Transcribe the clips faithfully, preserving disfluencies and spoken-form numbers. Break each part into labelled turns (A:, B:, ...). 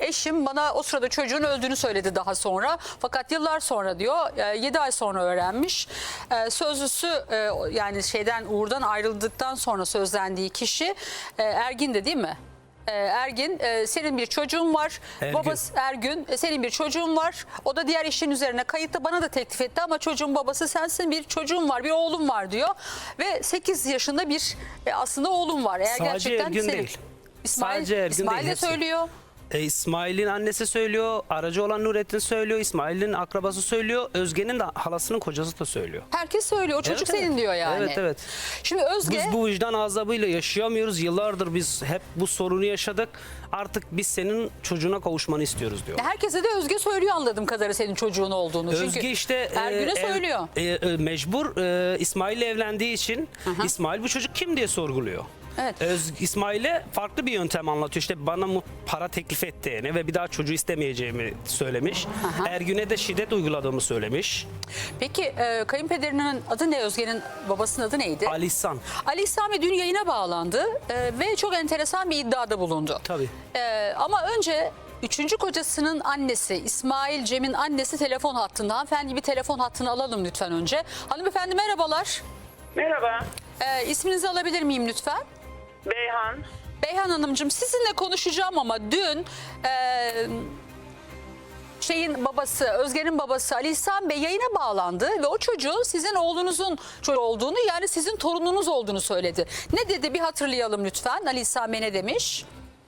A: eşim bana o sırada çocuğun öldüğünü söyledi daha sonra. Fakat yıllar sonra diyor e, yedi ay sonra öğrenmiş. E, sözlüsü e, yani şeyden Uğur'dan ayrıldıktan sonra sözlendiği kişi e, Ergin de değil mi? E, Ergin e, senin bir çocuğun var.
B: Ergün.
A: Babası Ergün e, senin bir çocuğun var. O da diğer eşin üzerine kayıtlı bana da teklif etti ama çocuğun babası sensin, bir çocuğun var, bir oğlum var diyor. Ve sekiz yaşında bir e, aslında oğlum var. Eğer
B: Sadece
A: gerçekten
B: Ergün
A: senin.
B: değil.
A: İsmail,
B: Sadece Ergün
A: İsmail
B: değil,
A: de
B: hepsi.
A: söylüyor.
B: E, İsmail'in annesi söylüyor, aracı olan Nurettin söylüyor, İsmail'in akrabası söylüyor, Özge'nin de halasının kocası da söylüyor.
A: Herkes söylüyor. O çocuk
B: Evet,
A: senin
B: evet.
A: diyor yani.
B: Evet, evet.
A: Şimdi Özge
B: Biz bu vicdan azabıyla yaşayamıyoruz. Yıllardır biz hep bu sorunu yaşadık. Artık biz senin çocuğuna kavuşmanı istiyoruz diyor.
A: herkese de Özge söylüyor anladığım kadarıyla senin çocuğun olduğunu.
B: Özge
A: Çünkü
B: işte
A: Ergün'e
B: e, ev-
A: söylüyor.
B: e, e, mecbur e, İsmail'le evlendiği için İsmail bu çocuk kim diye sorguluyor.
A: Evet.
B: Öz, İsmail'e farklı bir yöntem anlatıyor. İşte bana mu- para teklif ettiğini ve bir daha çocuğu istemeyeceğimi söylemiş. Ergün'e de şiddet uyguladığımı söylemiş.
A: Peki e, kayınpederinin adı ne? Özge'nin babasının adı neydi?
B: Ali İhsan.
A: Ali İsami dün yayına bağlandı e, ve çok enteresan bir iddiada bulundu.
B: Tabii.
A: E, ama önce üçüncü kocasının annesi İsmail Cem'in annesi telefon hattında. Hanımefendi bir telefon hattını alalım lütfen önce. Hanımefendi merhabalar.
C: Merhaba,
A: E, isminizi alabilir miyim lütfen?
C: Beyhan.
A: Beyhan Hanımcığım sizinle konuşacağım ama dün e, şeyin babası, Özge'nin babası Ali İhsan Bey yayına bağlandı ve o çocuğun sizin oğlunuzun çocuğu olduğunu, yani sizin torununuz olduğunu söyledi. Ne dedi bir hatırlayalım lütfen. Ali İhsan Bey ne demiş?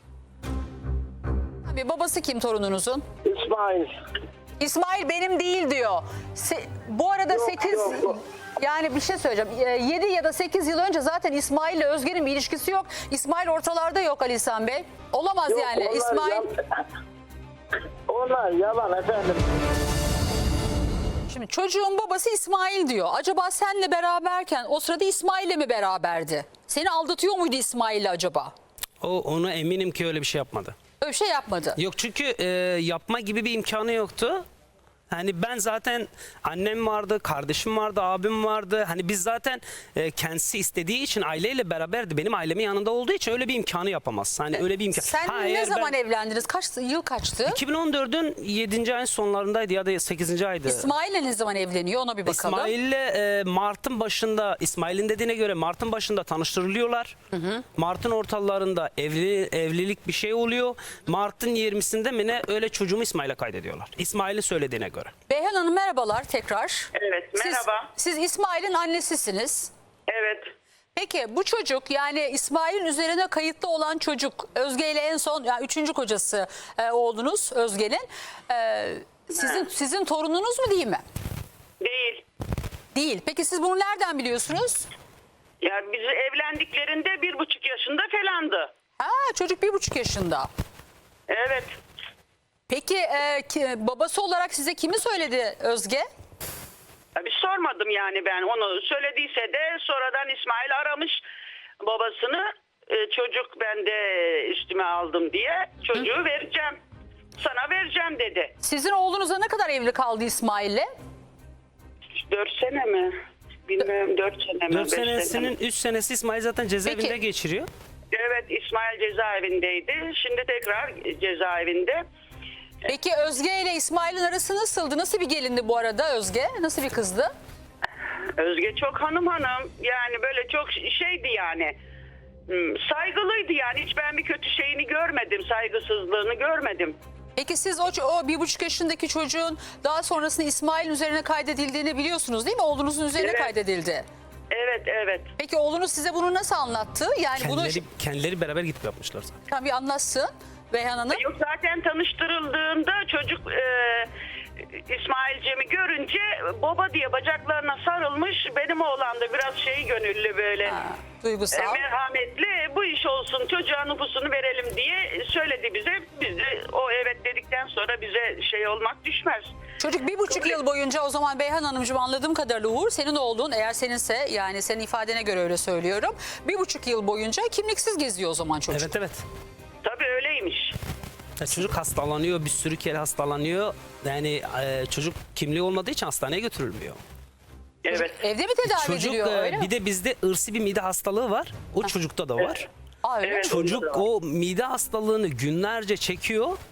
A: Abi babası kim torununuzun?
C: İsmail.
A: İsmail benim değil diyor. Se- bu arada
C: Yok,
A: sekiz
C: yok, yok.
A: yani bir şey söyleyeceğim. yedi ya da sekiz yıl önce zaten İsmail ile Özge'nin bir ilişkisi yok. İsmail ortalarda yok Ali İhsan Bey. Olamaz
C: Yok,
A: yani.
C: onlar
A: İsmail
C: yal- Onlar yalan efendim.
A: Şimdi çocuğun babası İsmail diyor. Acaba senle beraberken o sırada İsmail'le mi beraberdi? Seni aldatıyor muydu İsmail'le acaba?
B: O ona eminim ki öyle bir şey yapmadı.
A: Öyle bir şey yapmadı.
B: Yok çünkü e, yapma gibi bir imkanı yoktu. Hani ben zaten annem vardı, kardeşim vardı, abim vardı. Hani biz zaten e, kendisi istediği için aileyle beraberdi. Benim ailemin yanında olduğu için öyle bir imkanı yapamaz. Hani öyle bir imkan.
A: Sen
B: Ha,
A: ne
B: eğer
A: zaman
B: ben-
A: evlendiniz? Kaç yıl kaçtı?
B: iki bin on dördün yedinci ayın sonlarındaydı ya da sekizinci aydı.
A: İsmail'le ne zaman evleniyor ona bir bakalım.
B: İsmail'le e, Mart'ın başında, İsmail'in dediğine göre Mart'ın başında tanıştırılıyorlar. Mart'ın ortalarında evli, evlilik bir şey oluyor. Mart'ın yirmisinde mi ne öyle çocuğumu İsmail'e kaydediyorlar. İsmail'in söylediğine göre.
A: Beyhan Hanım merhabalar tekrar.
C: Evet, merhaba.
A: Siz, siz İsmail'in annesisiniz.
C: Evet.
A: Peki bu çocuk, yani İsmail'in üzerine kayıtlı olan çocuk, Özge ile en son yani üçüncü kocası e, oğlunuz Özge'nin e, sizin sizin torununuz mu değil mi?
C: Değil.
A: Değil. Peki siz bunu nereden biliyorsunuz?
C: Ya bizi evlendiklerinde bir buçuk yaşında falandı.
A: Ha, çocuk bir buçuk yaşında.
C: Evet.
A: Peki e, ki- babası olarak size kimi söyledi Özge?
C: Ya bir sormadım yani ben. Onu söylediyse de sonradan İsmail aramış babasını. E, çocuk ben de üstüme aldım diye çocuğu vereceğim. Sana vereceğim dedi.
A: Sizin oğlunuza ne kadar evli kaldı İsmail'le?
C: Dört sene mi? Bilmiyorum dört sene mi?
B: dört
C: beş sene mi?
B: senesinin üç senesi İsmail zaten cezaevinde
A: Peki.
B: geçiriyor.
C: Evet, İsmail cezaevindeydi. Şimdi tekrar cezaevinde.
A: Peki Özge ile İsmail'in arası nasıldı? Nasıl bir gelindi bu arada Özge? Nasıl bir kızdı?
C: Özge çok hanım hanım. Yani böyle çok şeydi yani. Hmm, saygılıydı yani. Hiç ben bir kötü şeyini görmedim. Saygısızlığını görmedim.
A: Peki siz o, o bir buçuk yaşındaki çocuğun daha sonrasında İsmail'in üzerine kaydedildiğini biliyorsunuz değil mi? Oğlunuzun üzerine
C: Evet.
A: kaydedildi.
C: Evet, evet.
A: Peki oğlunuz size bunu nasıl anlattı? Yani bunu
B: Kendileri, kendileri beraber gidip yapmışlar zaten.
A: Tam bir anlatsın Beyhan Hanım.
C: Yok zaten tanıştırıldığında çocuk e, İsmail Cem'i görünce baba diye bacaklarına sarılmış. Benim oğlan da biraz şey gönüllü böyle.
A: Ha,
C: E,
A: duygusal.
C: merhametli, bu iş olsun, çocuğa nüfusunu verelim diye söyledi bize. Biz de o evet dedikten sonra bize şey olmak düşmez.
A: Çocuk bir buçuk yıl boyunca o zaman Beyhan Hanımcığım anladığım kadarıyla Uğur senin oğlun, eğer seninse, yani senin ifadene göre öyle söylüyorum. Bir buçuk yıl boyunca kimliksiz geziyor o zaman çocuk.
B: Evet evet.
C: Tabii öyleymiş.
B: Ya çocuk hastalanıyor, bir sürü kere hastalanıyor. Yani e, çocuk kimliği olmadığı için hastaneye götürülmüyor.
C: Evet.
A: Evde mi tedavi
B: Çocuk
A: ediliyor
B: e,
A: öyle mi?
B: bir de bizde ırsi bir mide hastalığı var. O çocukta da var.
A: Aa, öyle mi?
C: Evet.
B: Çocuk o mide hastalığını günlerce çekiyor.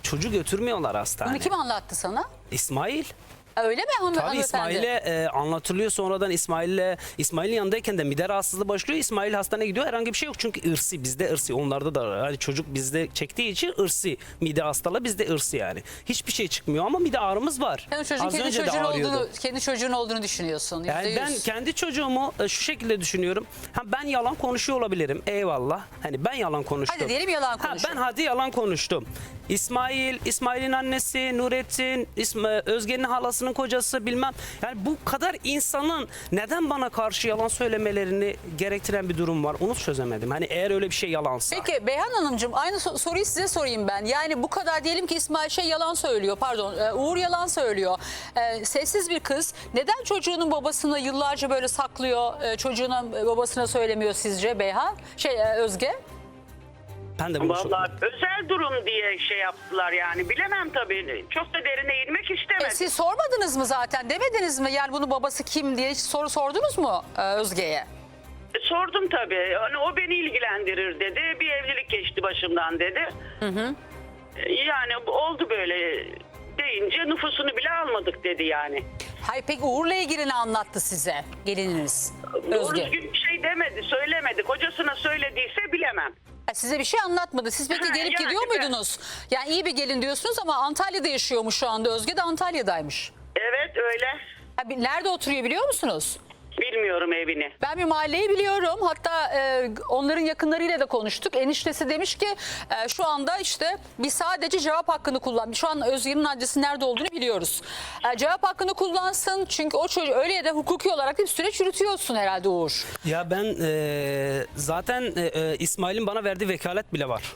B: Çocuğu götürmüyorlar hastaneye.
A: Bunu kim anlattı sana?
B: İsmail.
A: Öyle mi hanım,
B: Tabii
A: hanımefendi?
B: İsmail'e e, anlatılıyor, sonradan İsmail'le İsmail'in yanındayken de mide rahatsızlığı başlıyor. İsmail hastaneye gidiyor, herhangi bir şey yok çünkü ırsi, bizde ırsi, onlarda da yani çocuk bizde çektiği için ırsi mide hastalığı bizde ırsi yani. Hiçbir şey çıkmıyor ama mide ağrımız var.
A: Sen çocuğun
B: Az
A: kendi
B: önce de
A: çocuğun
B: ağrıyordu.
A: olduğunu, kendi çocuğun olduğunu düşünüyorsun.
B: Yani
A: yüzde
B: ben
A: yüz.
B: kendi çocuğumu e, şu şekilde düşünüyorum. Ha, ben yalan konuşuyor olabilirim. Eyvallah. Hani ben yalan konuştum.
A: Hadi diyelim yalan
B: Ha,
A: konuşun.
B: ben hadi yalan konuştum. İsmail, İsmail'in annesi, Nurettin, İsm Özge'nin halasının kocası bilmem. Yani bu kadar insanın neden bana karşı yalan söylemelerini gerektiren bir durum var. Onu çözemedim. Hani eğer öyle bir şey yalansa.
A: Peki Beyhan Hanımcığım, aynı so- soruyu size sorayım ben. Yani bu kadar diyelim ki İsmail şey yalan söylüyor, pardon e, Uğur yalan söylüyor. E, sessiz bir kız neden çocuğunun babasını yıllarca böyle saklıyor, e, çocuğuna e, babasına söylemiyor sizce Beyhan? Şey e, Özge?
B: Ben de bunu çok-
C: Vallahi özel durum diye şey yaptılar yani. Bilemem tabii. Çok da derine inmek
A: E,
C: istemedim.
A: siz sormadınız mı zaten, demediniz mi? Yani bunun babası kim diye hiç soru sordunuz mu e, Özge'ye?
C: E, Sordum tabii. Hani o beni ilgilendirir dedi. Bir evlilik geçti başımdan dedi. Hı hı. Yani oldu böyle deyince nüfusunu bile almadık dedi yani.
A: Hayır, peki Uğur'la ilgili ne anlattı size gelininiz
C: Doğru
A: Özge?
C: düzgün bir şey demedi, söylemedi. Kocasına söylediyse bilemem.
A: Ha, size bir şey anlatmadı. Siz peki
C: Ha,
A: gelip
C: yani
A: gidiyor
C: ben-
A: muydunuz? Yani iyi bir gelin diyorsunuz ama Antalya'da yaşıyormuş şu anda. Özge de Antalya'daymış.
C: Evet öyle.
A: Ha, bir- nerede oturuyor biliyor musunuz?
C: Bilmiyorum evini.
A: Ben bir mahalleyi biliyorum. Hatta e, onların yakınlarıyla da konuştuk. Eniştesi demiş ki e, şu anda işte biz sadece cevap hakkını kullan. Şu an Özge'nin adresi nerede olduğunu biliyoruz. E, cevap hakkını kullansın. Çünkü o çocuğu öyle ya da hukuki olarak da bir süreç yürütüyorsun herhalde Uğur.
B: Ya ben e, zaten e, e, İsmail'in bana verdiği vekalet bile var.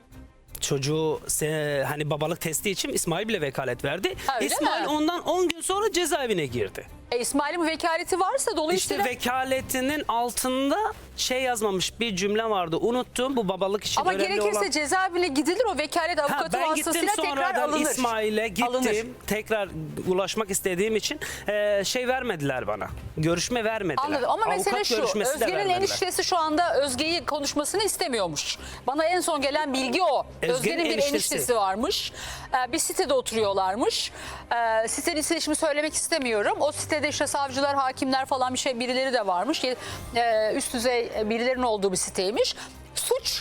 B: Çocuğu se- hani babalık testi için İsmail bile vekalet verdi.
A: Ha, öyle
B: İsmail
A: mi?
B: ondan on gün sonra cezaevine girdi.
A: E, İsmail'in vekaleti varsa dolayısıyla...
B: İşte vekaletinin altında şey yazmamış bir cümle vardı. Unuttum, bu babalık için
A: Ama
B: önemli
A: gerekirse
B: olan.
A: cezaevine gidilir, o vekalet
B: Ha,
A: avukatı
B: ben gittim
A: vasıtasıyla tekrar
B: sonradan
A: alınır.
B: İsmail'e gittim.
A: Alınır.
B: Tekrar ulaşmak istediğim için e, şey vermediler bana. Görüşme vermediler.
A: Anladım ama mesele
B: Avukat
A: şu,
B: görüşmesi de
A: Özge'nin
B: vermediler.
A: eniştesi şu anda Özge'yi konuşmasını istemiyormuş. Bana en son gelen bilgi o.
B: Özge'nin
A: Özge'nin bir
B: eniştesi.
A: eniştesi varmış. Ee, bir sitede oturuyorlarmış. Ee, sitenin ismini şimdi söylemek istemiyorum. O sitede işte savcılar, hakimler falan bir şey birileri de varmış. Ee, üst düzey birilerinin olduğu bir siteymiş. Suç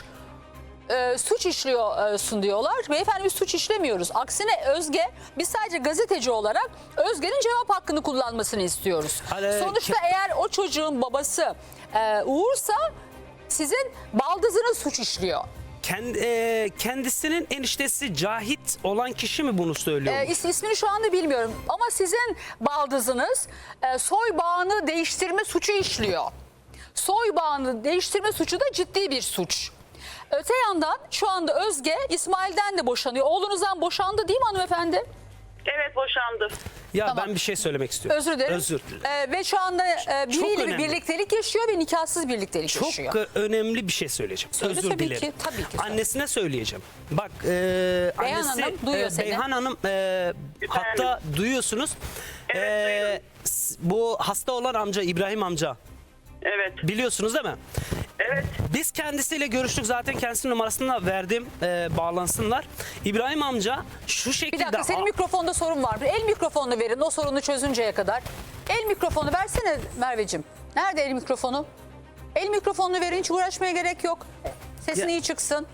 A: e, suç işliyorsun diyorlar. Beyefendi biz suç işlemiyoruz. Aksine Özge, biz sadece gazeteci olarak Özge'nin cevap hakkını kullanmasını istiyoruz.
B: Hani-
A: Sonuçta eğer o çocuğun babası e, Uğur'sa sizin baldızınız suç işliyor.
B: Kendi, e, kendisinin eniştesi Cahit olan kişi mi bunu söylüyor?
A: E, is, ismini şu anda bilmiyorum ama sizin baldızınız e, soy bağını değiştirme suçu işliyor. Soy bağını değiştirme suçu da ciddi bir suç. Öte yandan şu anda Özge İsmail'den de boşanıyor. Oğlunuzdan boşandı değil mi hanımefendi?
C: Evet boşandı.
B: ya
A: tamam.
B: ben bir şey söylemek istiyorum.
A: Özür dilerim.
B: Özür dilerim.
A: E, ve şu anda e, biriyle bir
B: önemli.
A: birliktelik yaşıyor ve nikahsız birliktelik
B: Çok
A: yaşıyor.
B: e, önemli bir şey söyleyeceğim.
A: Söyle
B: Özür
A: tabii
B: dilerim.
A: ki, tabii ki söyle.
B: Annesine söyleyeceğim. Bak e,
A: Beyhan
B: annesi
A: Hanım duyuyor
B: e,
A: seni.
B: Beyhan Hanım e, hatta duyuyorsunuz.
C: Evet,
B: E,
C: duyuyorum.
B: s- bu hasta olan amca İbrahim amca
C: Evet.
B: biliyorsunuz değil mi?
C: Evet.
B: Biz kendisiyle görüştük, zaten kendisinin numarasını da verdim, e, bağlansınlar. İbrahim amca şu
A: Bir
B: şekilde...
A: dakika, senin mikrofonda sorun var. El mikrofonunu verin o sorunu çözünceye kadar. El mikrofonu versene Merveciğim. Nerede el mikrofonu? El mikrofonunu verin, hiç uğraşmaya gerek yok. Sesin
B: Ya-
A: iyi çıksın.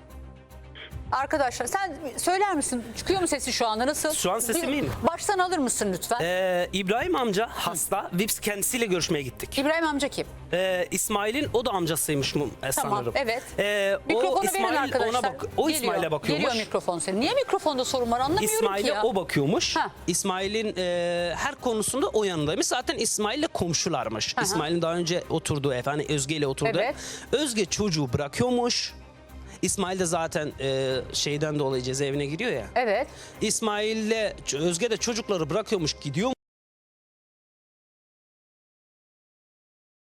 A: Arkadaşlar sen söyler misin? Çıkıyor mu sesi şu anda? Nasıl?
B: Şu an sesim
A: Bir-
B: iyi mi?
A: Baştan alır mısın lütfen?
B: e, İbrahim amca hasta, Vips kendisiyle görüşmeye gittik.
A: İbrahim amca kim?
B: E, İsmail'in o da amcasıymış mu e,
A: Tamam,
B: sanırım.
A: evet.
B: E, o
A: Mikrofonu verin
B: İsmail
A: arkadaşlar.
B: ona bak, o
A: Geliyor,
B: İsmail'e bakıyormuş.
A: Geliyor mikrofon senin. Niye mikrofonda sorun var anlamıyorum ki
B: İsmail'e
A: ya.
B: o bakıyormuş.
A: Ha.
B: İsmail'in e, her konusunda o yanındaymış. Zaten İsmail'le komşularmış.
A: Aha.
B: İsmail'in daha önce oturduğu ev, hani Özge ile oturdu.
A: Evet.
B: Özge çocuğu bırakıyormuş. İsmail de zaten e, şeyden dolayı cezaevine giriyor ya.
A: Evet.
B: İsmail'le Özge de çocukları bırakıyormuş, gidiyor.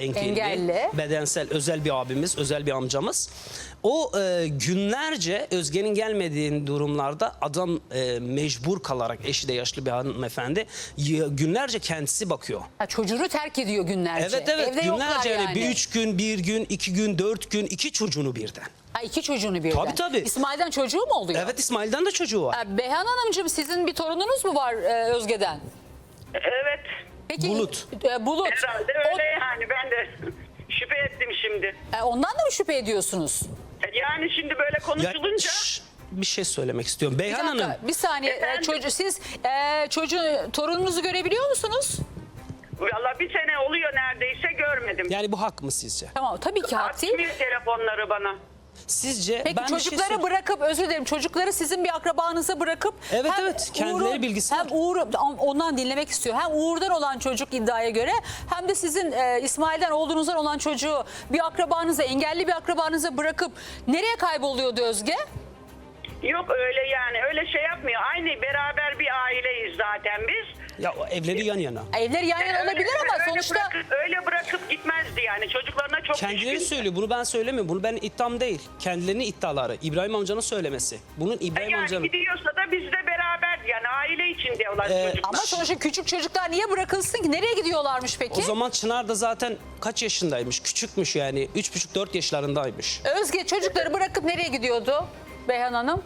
B: engelli,
A: Engelli.
B: bedensel özel bir abimiz, özel bir amcamız. O e, günlerce Özge'nin gelmediği durumlarda adam e, mecbur kalarak, eşi de yaşlı bir hanımefendi, y- günlerce kendisi bakıyor.
A: Ha, çocuğunu terk ediyor günlerce.
B: Evet evet
A: Evde yoklar
B: günlerce yani.
A: yani.
B: Bir üç gün, bir gün, iki gün, dört gün, iki çocuğunu birden.
A: Ha, iki çocuğunu birden.
B: Tabii, tabii.
A: İsmail'den çocuğu mu oluyor?
B: Evet İsmail'den de çocuğu var.
A: Ha, Beyhan Hanımcığım sizin bir torununuz mu var e, Özge'den?
C: Evet.
A: Peki,
B: Bulut.
A: e, Bulut.
C: Herhalde
A: O-
C: öyle yani. Ben de şüphe ettim şimdi.
A: e, ondan da mı şüphe ediyorsunuz?
C: Yani şimdi böyle
B: Ya,
C: konuşulunca...
B: şş, bir şey söylemek istiyorum.
A: Bir
B: Beyhan
A: dakika,
B: Hanım.
A: bir saniye. E,
C: Efendim?
A: çocuğu, siz e, çocuğu, torununuzu görebiliyor musunuz?
C: Valla bir sene oluyor neredeyse görmedim.
B: Yani bu hak mı sizce?
A: Tamam, tabii ki hak değil.
C: Açmıyor telefonları bana.
B: Sizce
A: Peki
B: ben bir şey
A: çocukları
B: söyleyeyim.
A: bırakıp, özür dilerim, çocukları sizin bir akrabanıza bırakıp
B: Evet,
A: hem
B: evet, kendileri
A: Uğur'un-
B: bilgisi
A: hem
B: var.
A: Uğur ondan dinlemek istiyor. Hem Uğur'dan olan çocuk iddiaya göre hem de sizin e, İsmail'den oğlunuzdan olan çocuğu bir akrabanıza, engelli bir akrabanıza bırakıp nereye kayboluyordu Özge?
C: Yok öyle yani öyle şey yapmıyor. Aynı beraber bir aileyiz zaten biz.
B: Ya o evleri yan yana.
A: Evleri yan yana olabilir ama
C: öyle
A: sonuçta
C: bırakıp, öyle bırakıp gitmezdi yani. Çocuklarına çok
B: Kendileri
C: düşkün.
B: söylüyor. Bunu ben söylemiyorum. Bunu ben iddiam değil. Kendilerinin iddiaları. İbrahim amcanın söylemesi. Bunun İbrahim
C: Yani
B: amcanın.
C: gidiyorsa da biz de beraber yani aile içinde olan
B: Ee,
C: çocuklar.
A: ama sonuçta küçük çocuklar niye bırakılsın ki? Nereye gidiyorlarmış peki?
B: O zaman Çınar da zaten kaç yaşındaymış? Küçükmüş yani. Üç buçuk dört yaşlarındaymış.
A: Özge çocukları bırakıp nereye gidiyordu Beyhan Hanım?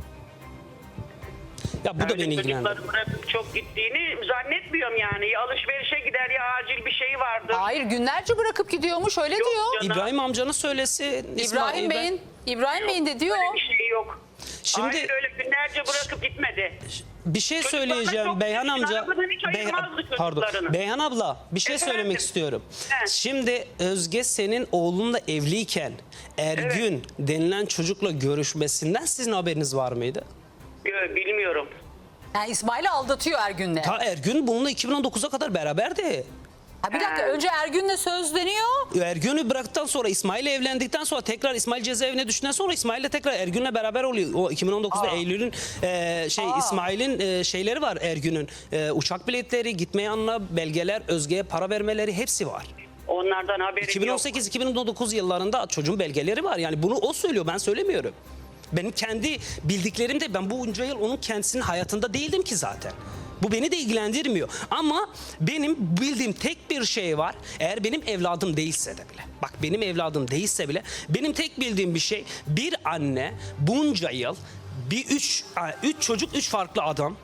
B: Ya bu da
C: Öyle
B: beni ilgilendiriyor.
C: çocukları bırakıp çok gittiğini zannetmiyorum yani. Ya alışverişe gider ya acil bir şey vardır.
A: Hayır, günlerce bırakıp gidiyormuş, öyle
C: Yok
A: diyor.
C: canım.
B: İbrahim amcanın söylesi.
A: İbrahim Bey'in İbrahim Bey'in de diyor.
C: Öyle bir şey yok.
B: Şimdi-
C: Hayır öyle günlerce bırakıp gitmedi.
B: Bir şey
C: Çocuklarına
B: söyleyeceğim
C: çok
B: Beyhan
C: düşkün,
B: amca.
C: arabadan hiç ayırmazdı
B: pardon.
C: çocuklarını.
B: Beyhan abla bir şey
C: Efendim?
B: söylemek istiyorum.
C: He.
B: Şimdi Özge senin oğlunla evliyken Ergün denilen çocukla görüşmesinden sizin haberiniz var mıydı?
C: Yo, bilmiyorum.
A: Yani İsmail'i aldatıyor Ergün'le.
B: Ta Ergün bununla iki bin on dokuza kadar beraberdi.
A: Ha, bir dakika, önce Ergün'le sözleniyor.
B: Ergün'ü bıraktıktan sonra İsmail'le evlendikten sonra tekrar İsmail cezaevine düştükten sonra İsmail'le tekrar Ergün'le beraber oluyor. O iki bin on dokuzda Eylül'ün e, şey
A: Aa.
B: İsmail'in e, şeyleri var Ergün'ün. E, uçak biletleri, gitme yanına belgeler, Özge'ye para vermeleri hepsi var.
C: Onlardan haberim
B: iki bin on
C: yok.
B: sekiz iki bin on dokuz yıllarında çocuğun belgeleri var. Yani bunu o söylüyor, ben söylemiyorum. Benim kendi bildiklerim de, ben bu bunca yıl onun kendisinin hayatında değildim ki zaten. Bu beni de ilgilendirmiyor. Ama benim bildiğim tek bir şey var. Eğer benim evladım değilse de bile. Bak benim evladım değilse bile. Benim tek bildiğim bir şey. Bir anne bunca yıl bir üç, üç çocuk üç farklı adam.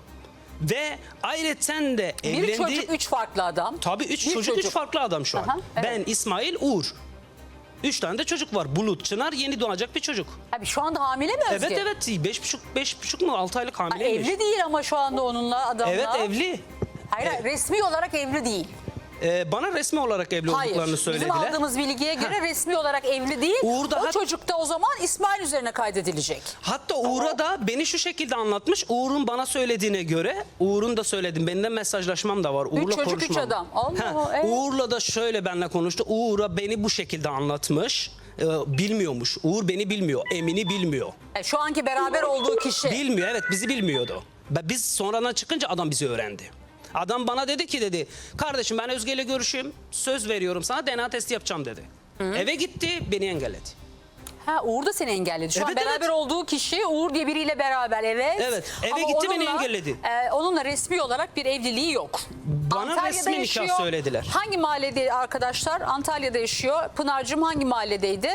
B: Ve ayrıca de
A: Bir
B: evlendiği...
A: çocuk, üç farklı adam.
B: Tabii üç
A: Bir
B: çocuk, üç farklı adam şu an.
A: Aha, evet.
B: Ben, İsmail, Uğur. Üç tane de çocuk var. Bulut, Çınar, yeni doğacak bir çocuk.
A: Abi şu anda hamile mi Özge?
B: Evet evet. Beş buçuk, beş buçuk mu? Altı aylık
A: Ha,
B: hamileymiş.
A: evli değil ama şu anda onunla, adamla.
B: Evet evli.
A: Hayır, hayır, resmi olarak evli değil.
B: Ee, bana resmi olarak evli
A: Hayır.
B: olduklarını
A: Bizim
B: söylediler.
A: aldığımız bilgiye göre resmi olarak evli değil.
B: Uğur da
A: o
B: hat-
A: çocuk da o zaman İsmail üzerine kaydedilecek.
B: Hatta Uğur'a da beni şu şekilde anlatmış. Uğur'un bana söylediğine göre, Uğur'un da söylediğim, benimle mesajlaşmam da var. Uğur'la
A: çocuk, üç
B: konuşmam.
A: adam. Allah
B: Ha,
A: Allah, evet.
B: Uğur'la da şöyle benimle konuştu. Uğur'a beni bu şekilde anlatmış. Ee, bilmiyormuş. Uğur beni bilmiyor. Emin'i bilmiyor.
A: E, şu anki beraber olduğu kişi.
B: Bilmiyor, evet, bizi bilmiyordu. Ve biz sonradan çıkınca adam bizi öğrendi. Adam bana dedi ki dedi, kardeşim ben Özge ile görüşeyim, söz veriyorum sana, D N A testi yapacağım dedi. Eve gitti, beni engelledi.
A: Ha, Uğur da seni engelledi. Şu an
B: Evet,
A: beraber
B: evet.
A: olduğu kişi Uğur diye biriyle beraber, evet.
B: Evet, eve
A: Ama
B: gitti, beni
A: onunla,
B: engelledi.
A: e, onunla resmi olarak bir evliliği yok.
B: Bana resmi nikah
A: yaşıyor.
B: söylediler.
A: Hangi mahallede arkadaşlar? Antalya'da yaşıyor. Pınar'cığım hangi mahalledeydi?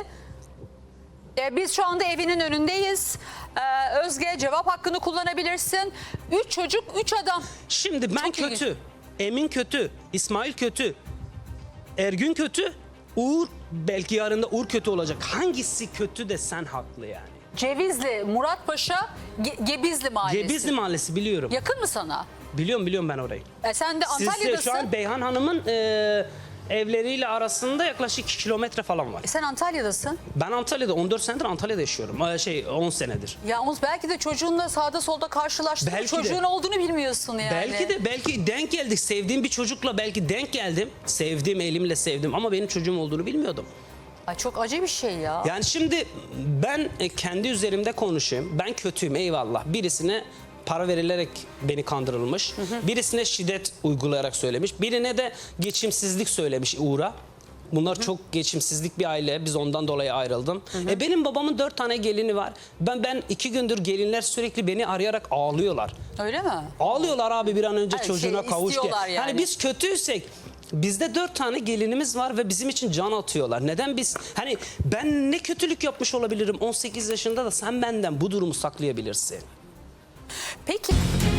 A: E, biz şu anda evinin önündeyiz. E, Özge, cevap hakkını kullanabilirsin. Üç çocuk, üç adam.
B: Şimdi ben
A: Çok
B: kötü,
A: ilginç.
B: Emin kötü, İsmail kötü, Ergün kötü, Uğur belki yarında Uğur kötü olacak. Hangisi kötü de sen haklı yani.
A: Cevizli, Muratpaşa, Ge- Gebizli mahallesi.
B: Gebizli Mahallesi biliyorum.
A: Yakın mı sana?
B: Biliyorum biliyorum ben orayı.
A: E, sen de
B: Siz de
A: Antalya'dasın.
B: şu an Beyhan Hanım'ın e, evleriyle arasında yaklaşık iki kilometre falan var.
A: E, sen Antalya'dasın.
B: Ben Antalya'da on dört senedir Antalya'da yaşıyorum. Ee, Şey on senedir.
A: Yalnız belki de çocuğunla sağda solda karşılaştın.
B: Belki
A: Çocuğun
B: de.
A: olduğunu bilmiyorsun yani.
B: Belki de belki denk geldik. Sevdiğim bir çocukla belki denk geldim. Sevdim, elimle sevdim ama benim çocuğum olduğunu bilmiyordum.
A: Ay, çok acı bir şey ya.
B: Yani şimdi ben e, kendi üzerimde konuşayım. Ben kötüyüm, eyvallah. Birisine para verilerek beni kandırılmış. Birisine şiddet uygulayarak söylemiş. Birine de geçimsizlik söylemiş Uğur'a. Bunlar çok geçimsizlik bir aile. Biz ondan dolayı ayrıldım. E benim babamın dört tane gelini var. Ben ben iki gündür gelinler sürekli beni arayarak ağlıyorlar.
A: Öyle mi?
B: Ağlıyorlar abi bir an önce
A: Hayır,
B: çocuğuna
A: şey,
B: kavuş diye.
A: istiyorlar yani.
B: Hani biz kötüysek bizde dört tane gelinimiz var ve bizim için can atıyorlar. Neden biz hani ben ne kötülük yapmış olabilirim on sekiz yaşında da sen benden bu durumu saklayabilirsin.
A: Peki.